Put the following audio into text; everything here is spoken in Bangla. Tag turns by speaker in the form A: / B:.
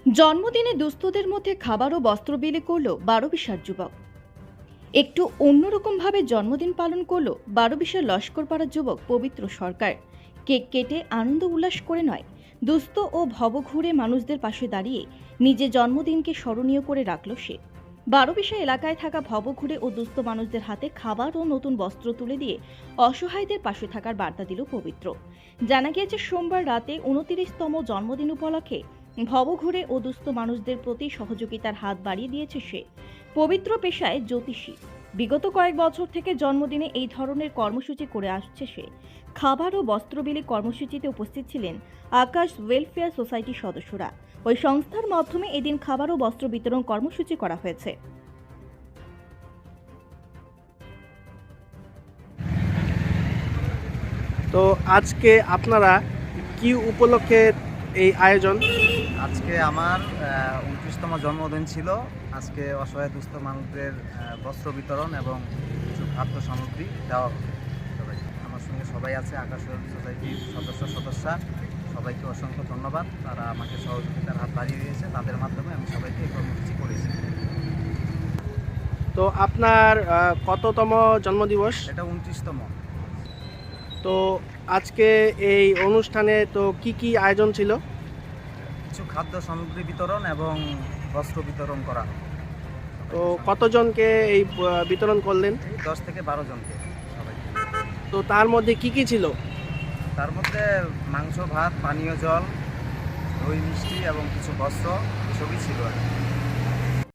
A: জন্মদিনে দুস্থদের মধ্যে খাবার ও বস্ত্র বিলি করল ১২ যুবক। একটু অন্যরকমভাবে জন্মদিন পালন করল ১২ লস্করপাড়ার যুবক পবিত্র সরকার। কেক কেটে আনন্দ উল্লাস করে নয়, দুস্থ ও ভবঘুরে মানুষদের পাশে দাঁড়িয়ে নিজের জন্মদিনকে স্মরণীয় করে রাখল সে। ১২ এলাকায় থাকা ভবঘুরে ও দুস্থ মানুষদের হাতে খাবার ও নতুন বস্ত্র তুলে দিয়ে অসহায়দের পাশে থাকার বার্তা দিল পবিত্র। জানা গিয়েছে, সোমবার রাতে ২৯তম জন্মদিন উপলক্ষে ভবঘুরে ও দুস্থ মানুষদের প্রতি সহযোগিতার হাত বাড়িয়ে দিয়েছে সে। পবিত্র পেশায় জ্যোতিষী, বিগত কয়েক বছর থেকে জন্মদিনে এই ধরনের কর্মসূচি করে আসছে সে। খাবার ও বস্ত্র বিলি কর্মসূচিতে উপস্থিত ছিলেন আকাশ ওয়েলফেয়ার সোসাইটির সদস্যরা। ওই সংস্থার মাধ্যমে এদিন খাবার ও বস্ত্র বিতরণ কর্মসূচি করা হয়েছে।
B: তো আজকে আপনারা কি উপলক্ষে এই আয়োজন?
C: আজকে আমার ২৯তম জন্মদিন ছিল। আজকে অসহায় দুস্থ মানুষদের বস্ত্র বিতরণ এবং কিছু খাদ্য সামগ্রী দেওয়া হবে সবাই। আমার সঙ্গে সবাই আছে, আকাশ সোসাইটির সদস্যা। সবাইকে অসংখ্য ধন্যবাদ। তারা আমাকে সহযোগিতার হাত বাড়িয়ে দিয়েছে, তাদের মাধ্যমে আমি সবাইকে এই কর্মসূচি করেছি।
B: তো আপনার কততম জন্মদিবস?
C: এটা ২৯তম।
B: তো আজকে এই অনুষ্ঠানে তো কি আয়োজন ছিল?
C: কিছু খাদ্য সামগ্রী বিতরণ এবং বস্ত্র বিতরণ করা হয়।
B: তো কতজনকে এই বিতরণ করলেন?
C: 10 থেকে 12 জনকে সবাইকে।
B: তো তার মধ্যে কি ছিল?
C: তার মধ্যে মাংস, ভাত, পানীয় জল, দই, মিষ্টি এবং কিছু বস্ত্র এসবই ছিল আর কি।